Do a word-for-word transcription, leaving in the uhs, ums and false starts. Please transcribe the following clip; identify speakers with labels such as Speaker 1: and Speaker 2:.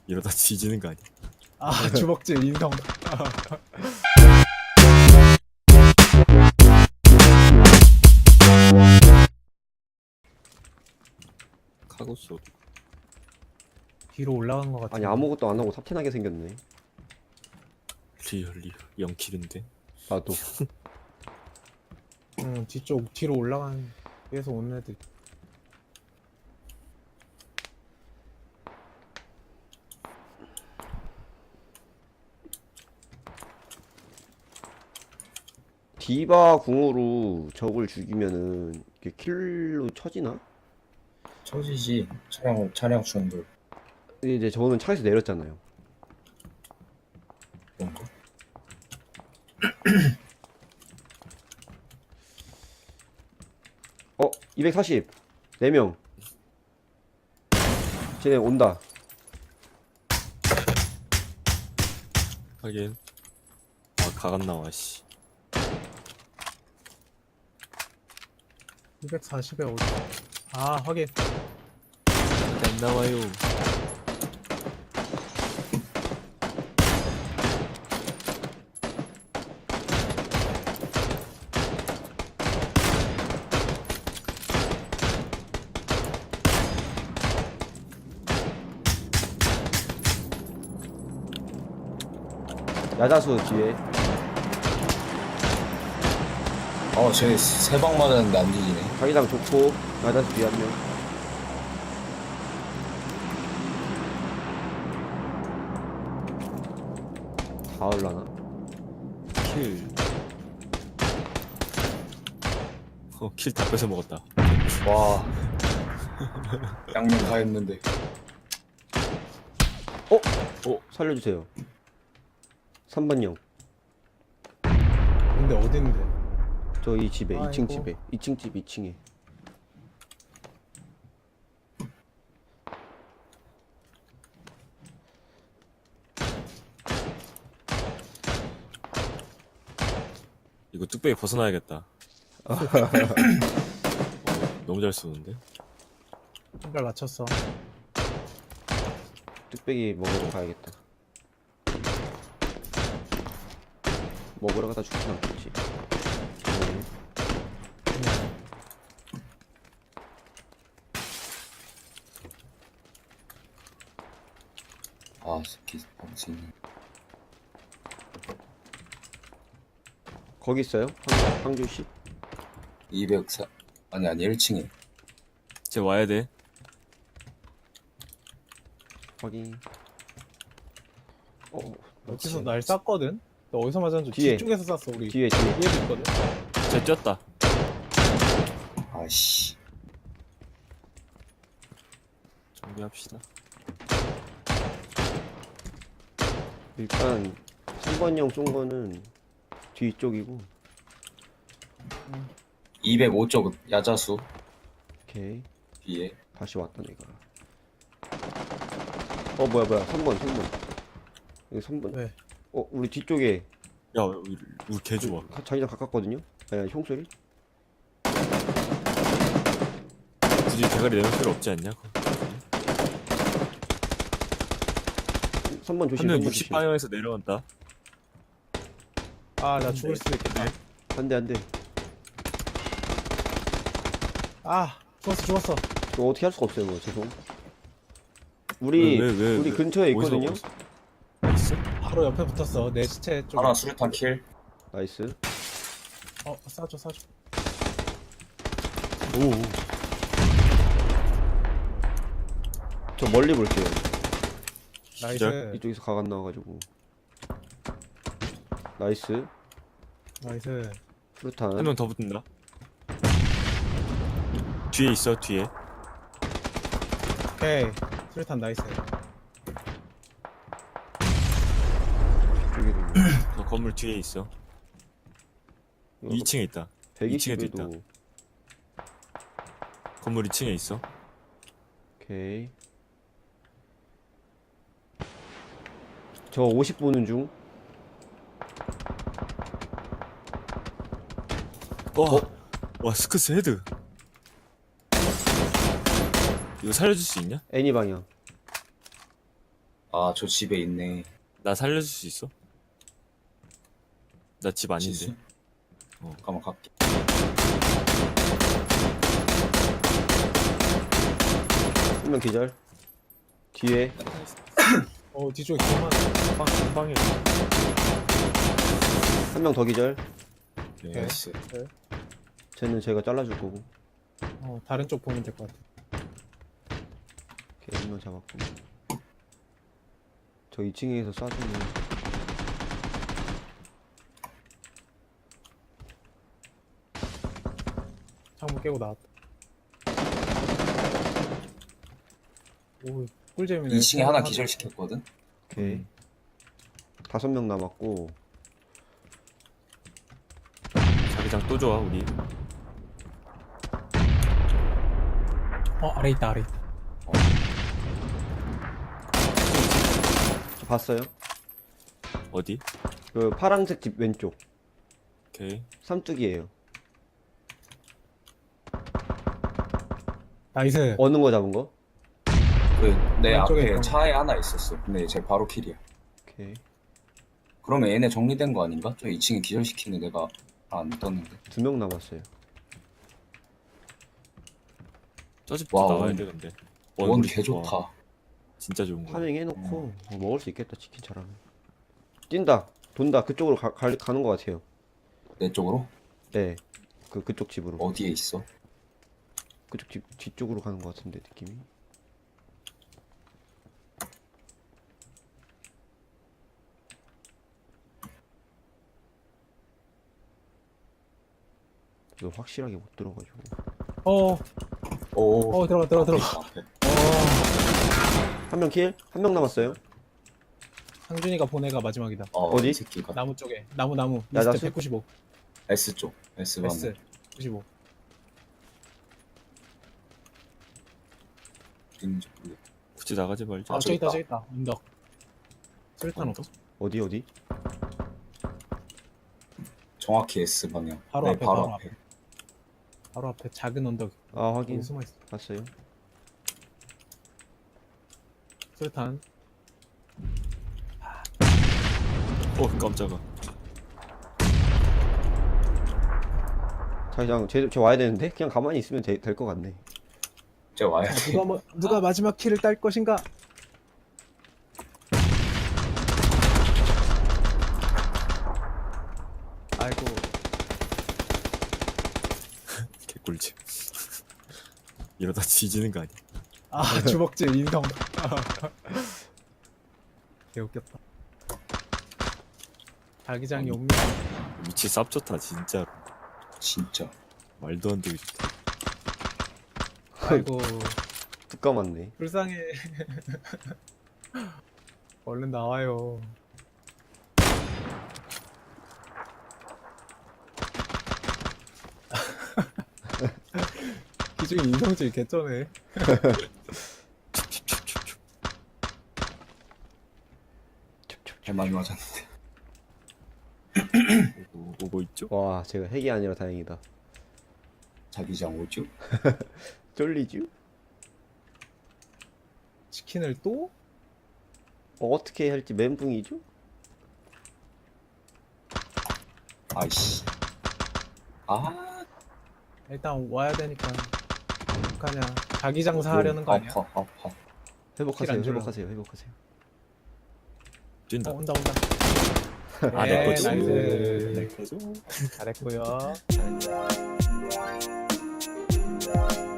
Speaker 1: 이러다 뒤지는 거 아니야?
Speaker 2: 아 주먹질 인성.
Speaker 1: 카고쇼.
Speaker 2: 뒤로 올라간 것 같아.
Speaker 3: 아니 아무것도 안 하고 탑텐하게 생겼네.
Speaker 1: 리얼 리얼 영킬인데.
Speaker 3: 나도.
Speaker 2: 응 뒤쪽 뒤로 올라간 위에서 오는 애들.
Speaker 3: 디바 궁으로 적을 죽이면은 이게 킬로 쳐지나?
Speaker 4: 처지지. 차량 차량 충돌
Speaker 3: 근데 이제 저는 차에서 내렸잖아요.
Speaker 4: 그런 거.
Speaker 3: 어, 이백사십. 네 명. 쟤네 온다.
Speaker 1: 하긴. 아 가간 나와 씨.
Speaker 2: 이백사십에 오지. 아 확인.
Speaker 1: 이렇게 안 나와요.
Speaker 3: 야자수 뒤에.
Speaker 4: 어, 쟤 세 방 맞았는데 안 뒤지네.
Speaker 3: 자기장 좋고 야자수 뒤에 한 명. 다 올라나?
Speaker 1: 킬. 어 킬 다 뺏어 먹었다.
Speaker 4: 와. 양념 다 했는데.
Speaker 3: 어, 살려주세요. 삼 번형.
Speaker 2: 근데 어딘데?
Speaker 3: 저 이 집에, 이 층
Speaker 2: 아이고.
Speaker 3: 집에. 이 층 집 이 층에.
Speaker 1: 이거 뚝배기 벗어나야겠다. 어, 너무 잘 쏘는데.
Speaker 2: 신발 맞췄어.
Speaker 3: 뚝배기 먹으러 가야겠다. 먹으러 가다 죽진 않겠지. 네.
Speaker 2: 그냥
Speaker 4: 아, 새끼 방신.
Speaker 3: 거기 있어요? 황- 황주씨?
Speaker 4: 이백사 아니 아니 일 층에.
Speaker 1: 쟤 와야 돼.
Speaker 3: 확인. 어,
Speaker 2: 어디서 날 쐈거든? 너 어디서 맞았는지
Speaker 3: 뒤에.
Speaker 2: 뒤쪽에서 쐈어 우리.
Speaker 3: 뒤에, 뒤에.
Speaker 2: 뒤에도 있거든.
Speaker 1: 쟤 쪘다.
Speaker 4: 아씨.
Speaker 1: 정리합시다.
Speaker 3: 일단 삼 번형 쏜 거는 뒤쪽이고.
Speaker 4: 이백오 쪽 야자수
Speaker 3: 오케이.
Speaker 4: 뒤에.
Speaker 3: 다시 왔다 내가. 어 뭐야 뭐야 삼 번 삼 번. 여기 삼 번.
Speaker 2: 왜?
Speaker 3: 어 우리 뒤쪽에
Speaker 1: 야 우리, 우리 개 좋아.
Speaker 3: 가- 자기장 가깝거든요? 아니 총소리?
Speaker 1: 굳이 대가리 내놓을 필요 없지 않냐?
Speaker 3: 삼 번 조심.
Speaker 1: 한 명
Speaker 3: 삼 번
Speaker 1: 육십
Speaker 3: 조심.
Speaker 1: 방향에서 내려온다.
Speaker 2: 아 나 죽을 수도 있겠다.
Speaker 3: 안돼 안돼.
Speaker 2: 아 죽었어 죽었어.
Speaker 3: 이거 어떻게 할 수가 없어요 뭐 죄송. 우리
Speaker 1: 왜, 왜, 왜,
Speaker 3: 우리
Speaker 1: 왜?
Speaker 3: 근처에
Speaker 1: 어디서,
Speaker 3: 있거든요?
Speaker 1: 어디서? 있어?
Speaker 2: 바로 옆에 붙었어. 내 시체 쪽.
Speaker 4: 하나 수류탄 킬.
Speaker 3: 나이스.
Speaker 2: 어 쏴줘 쏴줘.
Speaker 1: 오.
Speaker 3: 저 멀리 볼게요.
Speaker 1: 시작.
Speaker 2: 나이스.
Speaker 3: 이쪽에서 가간 나와가지고. 나이스.
Speaker 2: 나이스.
Speaker 3: 수류탄.
Speaker 1: 한 명 더 붙는다. 뒤에 있어 뒤에.
Speaker 2: 오케이. 수류탄 나이스.
Speaker 3: 이쪽에도
Speaker 1: 너 건물 뒤에 있어. 이 층에 있다. 이 층에도 있다.
Speaker 3: 백이십에도.
Speaker 1: 건물 이 층에 있어.
Speaker 3: 오케이. 저 오십 보는 중.
Speaker 1: 와, 와 스크스 헤드. 이거 살려줄 수 있냐?
Speaker 3: 애니 방향.
Speaker 4: 아, 저 집에 있네.
Speaker 1: 나 살려줄 수 있어? 나 집 아닌데.
Speaker 4: 지수?
Speaker 1: 어.
Speaker 4: 잠깐만 갈게.
Speaker 3: 한 명 기절. 뒤에
Speaker 2: 어 뒤쪽에 개만.
Speaker 1: 방, 방에.
Speaker 3: 한 명 더 기절.
Speaker 1: 오케이.
Speaker 4: 나이스.
Speaker 3: 쟤는 제가 잘라줄 거고.
Speaker 2: 어 다른 쪽 보면 될 것 같아.
Speaker 3: 오케이, 한 명 잡았고. 저 이 층에서 쏴주면
Speaker 2: 창문 깨고 나왔다. 오 꿀잼이네.
Speaker 4: 이 층에 하나 기절시켰거든?
Speaker 3: 오케이.
Speaker 1: 음.
Speaker 3: 다섯 명 남았고.
Speaker 1: 자기장 또 좋아, 우리.
Speaker 2: 어 아래 있다 아래 있다.
Speaker 3: 저 봤어요?
Speaker 1: 어디?
Speaker 3: 그 파란색 집 왼쪽.
Speaker 1: 오케이.
Speaker 3: 삼뚝이에요.
Speaker 2: 나이스.
Speaker 3: 어느 거 잡은 거?
Speaker 4: 그 내
Speaker 2: 왼쪽에
Speaker 4: 앞에
Speaker 2: 있던
Speaker 4: 차에 하나 있었어. 근데 쟤 바로 킬이야.
Speaker 3: 오케이.
Speaker 4: 그러면 얘네 정리된 거 아닌가? 저 이 층에 기절시키는 내가 안 떴는데.
Speaker 3: 두 명 남았어요.
Speaker 1: 저 집부터
Speaker 4: 와,
Speaker 1: 나와야
Speaker 4: 원-
Speaker 1: 돼, 근데.
Speaker 4: 원
Speaker 1: 우리
Speaker 4: 개
Speaker 1: 좋아.
Speaker 4: 좋다.
Speaker 1: 진짜 좋은 거야.
Speaker 3: 파밍 해놓고 어, 먹을 수 있겠다. 치킨 잘하면. 뛴다. 돈다. 그쪽으로 가, 가, 가는 것 같아요.
Speaker 4: 내 쪽으로?
Speaker 3: 네. 그 그쪽 집으로.
Speaker 4: 어디에 있어?
Speaker 3: 그쪽 집 뒤쪽으로 가는 것 같은데 느낌이. 너 확실하게 못 들어가지고.
Speaker 2: 어
Speaker 4: 오.
Speaker 2: 어, 들어가 들어가 들어가.
Speaker 4: 앞에.
Speaker 3: 한 명 킬? 한 명 남았어요.
Speaker 2: 상준이가 보내가 마지막이다.
Speaker 4: 어,
Speaker 3: 어디?
Speaker 4: 이 새끼가.
Speaker 2: 나무 쪽에 나무 나무.
Speaker 3: 야, 나
Speaker 2: 리스트
Speaker 3: 술-
Speaker 2: 백구십오.
Speaker 4: S 쪽. S 방.
Speaker 2: S 구십오.
Speaker 4: 어딘지 모르겠.
Speaker 1: 굳이 나가지 말자.
Speaker 2: 아
Speaker 4: 아,
Speaker 2: 저기 있다
Speaker 4: 있다.
Speaker 2: 저기 있다. 언덕. 수류탄 없어.
Speaker 3: 어디 어디?
Speaker 4: 정확히 S 방향.
Speaker 2: 바로
Speaker 4: 네,
Speaker 2: 앞에,
Speaker 4: 바로
Speaker 2: 바로
Speaker 4: 앞에.
Speaker 2: 바로 앞에 작은 언덕.
Speaker 3: 아
Speaker 2: 여기
Speaker 3: 확인.
Speaker 2: 숨어 있어.
Speaker 3: 봤어요.
Speaker 2: 수류탄.
Speaker 1: 어, 깜짝아.
Speaker 3: 자기장 쟤, 쟤 와야 되는데 그냥 가만히 있으면 될 것 같네.
Speaker 4: 쟤 와야
Speaker 2: 자,
Speaker 4: 돼.
Speaker 2: 누가 뭐, 누가 마지막 키를 딸 것인가? 아이고
Speaker 1: 개꿀집. 이러다 뒤지는 거 아니야?
Speaker 2: 아 주먹질 인성. 개 웃겼다. 자기장이 옵니다.
Speaker 1: 위치 쌉 좋다, 진짜.
Speaker 4: 진짜.
Speaker 1: 말도 안 되게 좋다.
Speaker 2: 아이고
Speaker 3: 뚝 감았네.
Speaker 2: 불쌍해. 얼른 나와요. 기중에 인성질 개쩌네.
Speaker 4: 개 많이 맞았는데.
Speaker 1: 오고, 오고 있죠?
Speaker 3: 와 제가 핵이 아니라 다행이다.
Speaker 4: 자기장 오죠?
Speaker 3: 쫄리쥬?
Speaker 2: 치킨을 또?
Speaker 3: 어, 어떻게 할지 멘붕이죠?
Speaker 4: 아이씨. 아.
Speaker 2: 일단 와야 되니까 어떡하냐. 자기 장사하려는 거 아니야?
Speaker 4: 아파, 아파.
Speaker 3: 회복하세요.
Speaker 2: 킬안 주려고.
Speaker 3: 회복하세요. 회복하세요.
Speaker 1: 뛴다.
Speaker 2: 어, 온다 온다.
Speaker 1: 아, 내 거지.
Speaker 2: 나이스.
Speaker 1: 내 거죠?
Speaker 2: 잘했고요.